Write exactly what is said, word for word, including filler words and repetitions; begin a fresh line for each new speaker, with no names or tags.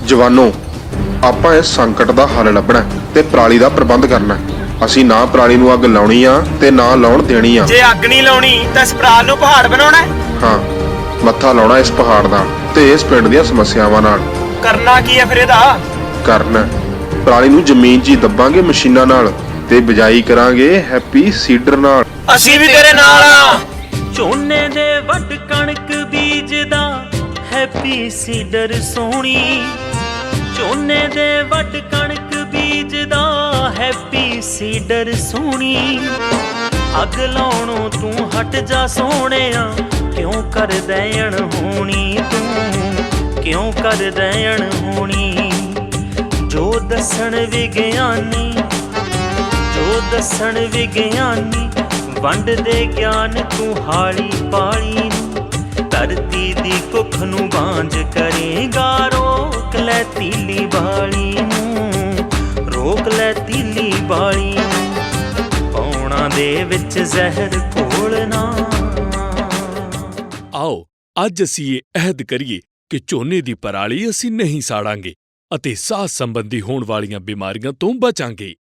ਜਵਾਨੋ, ਆਪਾਂ ਇਸ ਸੰਕਟ ਦਾ ਹੱਲ ਲੱਭਣਾ ਤੇ ਪਰਾਲੀ ਦਾ ਪ੍ਰਬੰਧ ਕਰਨਾ। ਅਸੀਂ ਨਾ ਪਰਾਲੀ ਨੂੰ ਅੱਗ ਲਾਉਣੀ ਆ ਤੇ ਨਾ ਲਾਉਣ ਦੇਣੀ ਆ।
ਜੇ ਅੱਗ ਨਹੀਂ ਲਾਉਣੀ ਤਾਂ ਇਸ ਪਰਾਲ ਨੂੰ ਪਹਾੜ ਬਣਾਉਣਾ ਹੈ।
ਹਾਂ, ਮੱਥਾ ਲਾਉਣਾ ਇਸ ਪਹਾੜ ਦਾ ਤੇ ਇਸ ਪਿੰਡ ਦੀਆਂ ਸਮੱਸਿਆਵਾਂ ਨਾਲ।
ਕਰਨਾ ਕੀ ਹੈ ਫਿਰ ਇਹਦਾ?
ਕਰਨਾ ਪਰਾਲੀ ਨੂੰ ਜ਼ਮੀਨ 'ਚ ਹੀ ਦੱਬਾਂਗੇ ਮਸ਼ੀਨਾਂ ਨਾਲ ਤੇ ਬਿਜਾਈ ਕਰਾਂਗੇ ਹੈਪੀ ਸੀਡਰ ਨਾਲ।
ਅਸੀਂ ਵੀ ਤੇਰੇ ਨਾਲ ਆ।
ਝੋਨੇ ਦੇ ਵੱਢ ਕਣਕ ਬੀਜਦਾ ਹੈਪੀ ਸੀਡਰ ਸੋਹਣੀ। ਝੋਨੇ ਦੇ ਵੱਢ ਕਣਕ ਬੀਜਦਾ ਹੈਪੀ ਸੀਡਰ ਸੋਹਣੀ। ਅੱਗ ਲਾਉਣੋਂ ਤੂੰ ਹਟ ਜਾ ਸੋਹਣਿਆ, ਕਿਉਂ ਕਰਦਾ ਅਣਹੋਣੀ ਤੂੰ, ਕਿਉਂ ਕਰਦਾ ਅਣਹੋਣੀ। ਜੋ ਦੱਸਣ ਵਿਗਿਆਨੀ, ਜੋ ਦੱਸਣ ਵਿਗਿਆਨੀ, ਵੰਡ ਦੇ ਗਿਆਨ ਤੂੰ ਹਾਲੀ ਪਾਲੀ। ਧਰਤੀ ਦੀ ਕੁੱਖ ਨੂੰ ਬਾਂਝ ਕਰੇਗਾ, ਰੋਕ ਲੈ ਤੀਲੀ ਬਾਲੀ ਨੂੰ, ਰੋਕ ਲੈ ਤੀਲੀ ਬਾਲੀ ਨੂੰ। ਪੌਣਾ ਦੇ ਵਿੱਚ ਜ਼ਹਿਰ ਘੋਲਣਾ।
ਆਓ ਅੱਜ ਅਸੀਂ ਇਹ ਅਹਿਦ ਕਰੀਏ ਕਿ ਝੋਨੇ ਦੀ ਪਰਾਲੀ ਅਸੀਂ ਨਹੀਂ ਸਾੜਾਂਗੇ ਅਤੇ ਸਾਹ ਸੰਬੰਧੀ ਹੋਣ ਵਾਲੀਆਂ ਬਿਮਾਰੀਆਂ ਤੋਂ ਬਚਾਂਗੇ।